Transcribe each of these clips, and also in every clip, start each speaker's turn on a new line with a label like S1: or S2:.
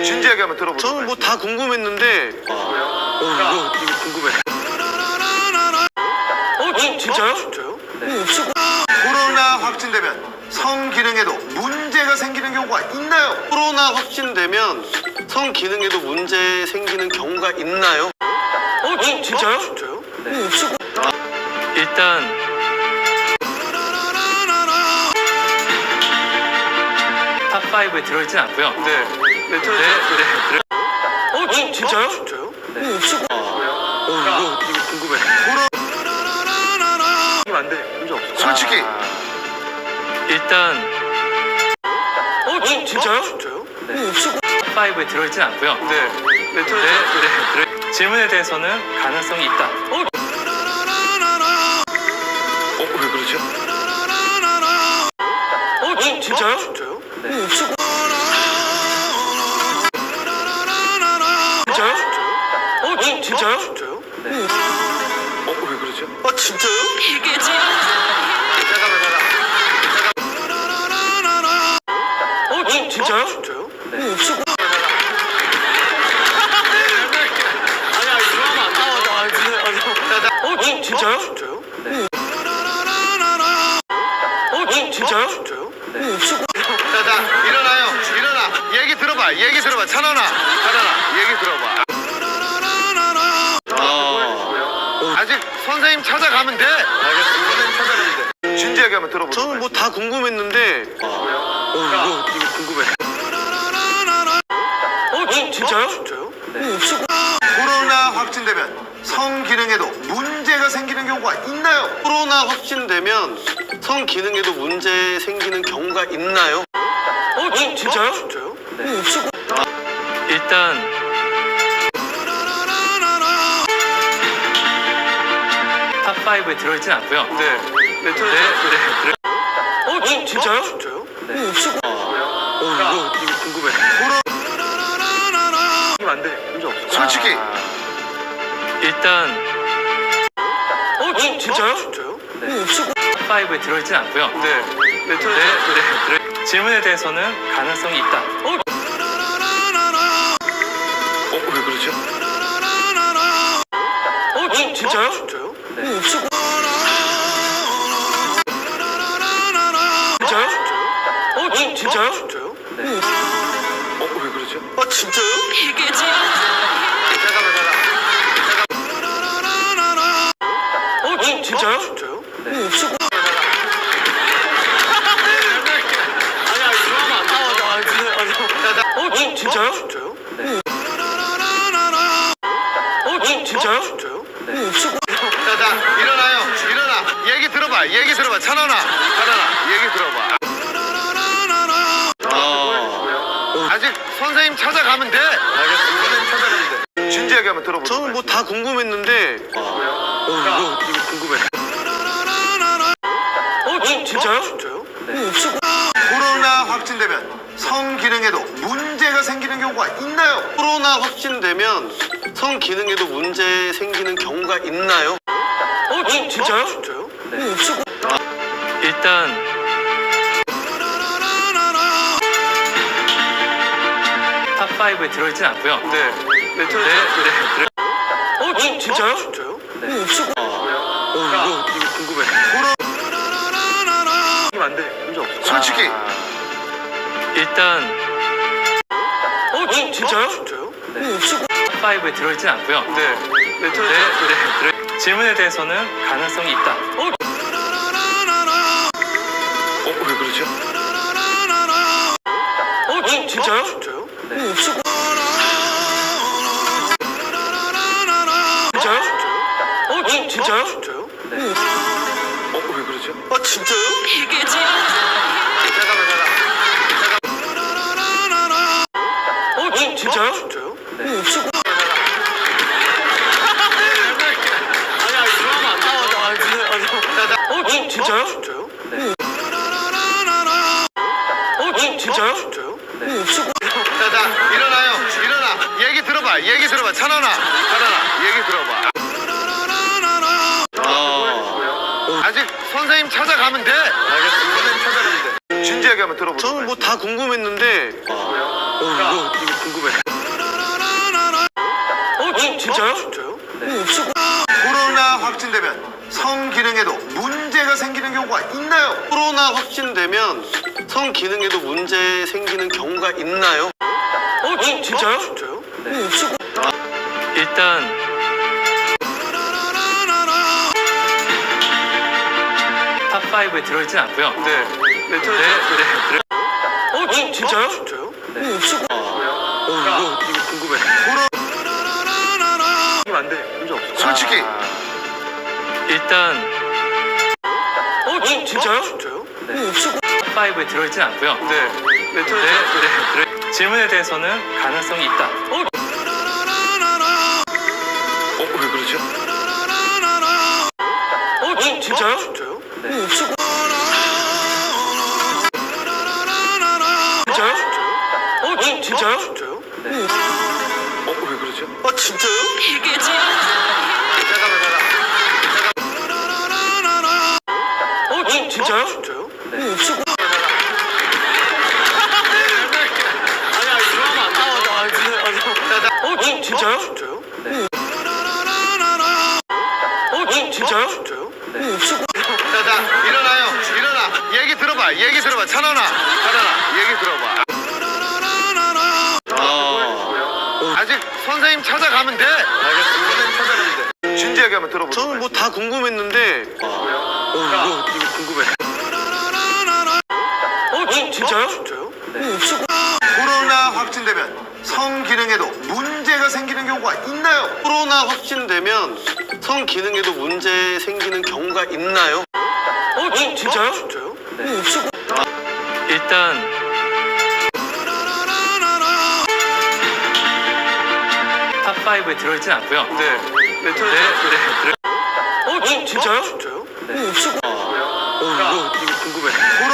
S1: 진지하게 한번 들어보세요.
S2: 저는 뭐 다 궁금했는데. 이거 궁금해. 진짜요?
S1: 진짜요?
S2: 네. 없을
S1: 코로나 확진되면 성기능에도 문제가 생기는 경우가 있나요?
S2: 코로나 확진되면 성기능에도 문제 생기는 경우가 있나요? 진짜요?
S1: 진짜요?
S2: 네. 없을 일단 탑5에 들어있진 않고요.
S1: 네.
S2: 네. 진짜요?
S1: 진짜요?
S2: 네. 없을 이거 궁금해.
S1: 이거 안 돼. 문제 없어. 솔직히.
S2: 일단 진짜요?
S1: 진짜요?
S2: 네. 없을 탑5에 들어있진 않고요.
S1: 네.
S2: 질문에 대해서는 가능성이 있다.
S1: 왜 그러죠?
S2: 진짜요?
S1: 진짜요?
S2: 네. 없을 진짜요? 진짜요?
S1: 진짜요?
S2: 네.
S1: 왜 그러죠? 진짜요?
S2: 진짜요?
S1: 진짜요?
S2: 네. 없을 진짜요?
S1: 진짜요?
S2: 네. 진짜요?
S1: 진짜요?
S2: 네. 없을
S1: 자, 일어나요. 일어나. 얘기 들어봐. 찬원아. 얘기 들어봐. 아직 선생님 찾아가면 돼. 알겠습니다. 선생님 찾아가면 돼. 진지하게 한번 들어보세요.
S2: 저는 뭐 다 궁금했는데. 이거 궁금해. 진짜요?
S1: 진짜요?
S2: 네. 없을
S1: 코로나 확진되면 성기능에도 문제가 생기는 경우가 있나요?
S2: 코로나 확진되면 성기능에도 문제 생기는 경우가 있나요? 진짜요?
S1: 진짜요?
S2: 네. 없을 일단 탑5에 들어있진 않고요.
S1: 네.
S2: 진짜요?
S1: 진짜요?
S2: 네. 없을 이거 궁금해.
S1: 이거 안 돼. 문제 없어. 솔직히.
S2: 일단 진짜요?
S1: 진짜요?
S2: 네. 없을 탑5에 들어있진 않고요.
S1: 네.
S2: 질문에 대해서는 가능성이 있다.
S1: 왜 그러죠?
S2: 진짜요?
S1: 진짜요?
S2: 네. 없을 진짜요? 진짜요?
S1: 진짜요?
S2: 네.
S1: 왜 그러죠? 진짜요?
S2: 진짜요?
S1: 진짜요?
S2: 네. 없을 진짜요?
S1: 진짜요?
S2: 네. 진짜요?
S1: 진짜요?
S2: 네. 없을
S1: 자, 일어나요. 얘기 들어봐. 찬원아. 얘기 들어봐. 아직 선생님 찾아가면 돼. 알겠습니다. 선생님 찾아가면 돼. 진지하게 한번 들어보세요.
S2: 저는 뭐 다 궁금했는데. 이거 궁금해. 진짜요?
S1: 진짜요?
S2: 네. 없을
S1: 코로나 확진되면 성기능에도 문제가 생기는 경우가 있나요?
S2: 코로나 확진되면 성기능에도 문제 생기는 경우가 있나요? 진짜요?
S1: 진짜요?
S2: 네. 없을 일단 탑5에 들어있진 않고요.
S1: 네.
S2: 진짜요?
S1: 진짜요?
S2: 네. 없을 이거 궁금해.
S1: 이거 안 돼. 문제 없어. 솔직히.
S2: 일단 진짜요?
S1: 진짜요?
S2: 네. 없을 탑5에 들어있진 않고요.
S1: 네.
S2: 질문에 대해서는 가능성이 있다.
S1: 왜 그러죠?
S2: 진짜요?
S1: 진짜요?
S2: 네. 없을 진짜요? 진짜요?
S1: 진짜요?
S2: 네.
S1: 왜 그러죠? 진짜요?
S2: 진짜요?
S1: 진짜요?
S2: 네. 없을 진짜요?
S1: 진짜요?
S2: 네. 진짜요?
S1: 진짜요?
S2: 네. 없을
S1: 자, 일어나요. 얘기 들어봐. 찬원아. 얘기 들어봐. 아직 선생님 찾아가면 돼. 알겠습니다. 선생님 찾아가면 돼. 진지하게 한번 들어보세요.
S2: 저는 뭐 다 궁금했는데. 이거 궁금해. 진짜요? 진짜요?
S1: 코로나 확진되면 성기능에도 문제가 생기는 경우가 있나요?
S2: 코로나 확진되면 성 기능에도 문제 생기는 경우가 있나요? 진짜요? 진짜요?
S3: 일단 탑5에 들어있진 않고요.
S2: 네. 네,
S3: 진짜요?
S2: 진짜요? 이거 궁금해. 이거 안 돼. 문제 없어.
S1: 솔직히
S3: 일단 진짜요?
S2: 진짜요?
S3: 탑5에 들어있진 않고요.
S2: 네.
S3: 질문에 대해서는 가능성이 있다.
S1: 왜 그러죠?
S2: 진짜요? 진짜요?
S3: 진짜요? 진짜요?
S2: 진짜요?
S1: 왜 그러죠?
S2: 진짜요?
S3: 진짜요?
S2: 진짜요?
S3: 진짜요?
S2: 진짜요?
S3: 진짜요?
S2: 진짜요?
S1: 자, 일어나요. 일어나. 얘기 들어봐. 얘기 들어봐. 찬원아. 얘기 들어봐. 아직 선생님 찾아가면 돼. 알겠습니다. 선생님 찾아가면 돼. 진지하게 한번 들어보자.
S2: 저는 뭐 다 궁금했는데 이거 궁금해.
S3: 진짜요?
S2: 진짜요?
S1: 코로나 확진되면 성기능에도 문제가 생기는 경우가 있나요?
S2: 코로나 확진되면 성 기능에도 문제 생기는 경우가 있나요?
S3: 진짜요?
S2: 진짜요?
S3: 일단 탑5에 들어있진 않고요.
S2: 네.
S3: 진짜요?
S2: 진짜요? 이거 궁금해.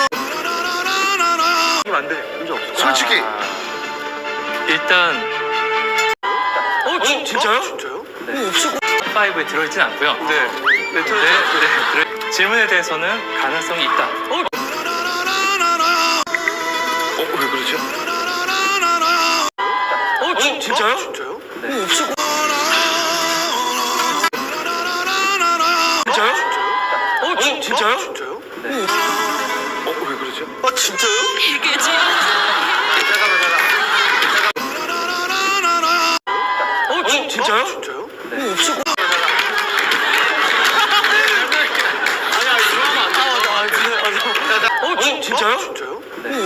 S2: 이거 안 돼. 문제 없어.
S1: 솔직히
S3: 일단 진짜요?
S2: 진짜요?
S3: 탑5에 들어있진 않고요.
S2: 네.
S3: 질문에 대해서는 가능성이 있다.
S1: 왜 그러죠?
S3: 진짜요?
S2: 진짜요?
S3: 진짜요? 진짜요?
S2: 진짜요?
S1: 왜 그러죠?
S2: 진짜요?
S3: 진짜요?
S2: 진짜요?
S3: 진짜요?
S2: 진짜요?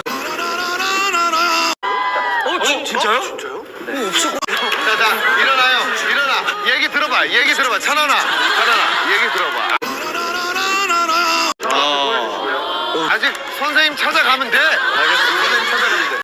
S3: 진짜요?
S2: 진짜요?
S1: 자, 일어나요. 일어나. 얘기 들어봐. 얘기 들어봐. 찬원아. 얘기 들어봐. 아직 선생님 찾아가면 돼. 알겠습니다. 선생님 찾아가면 돼.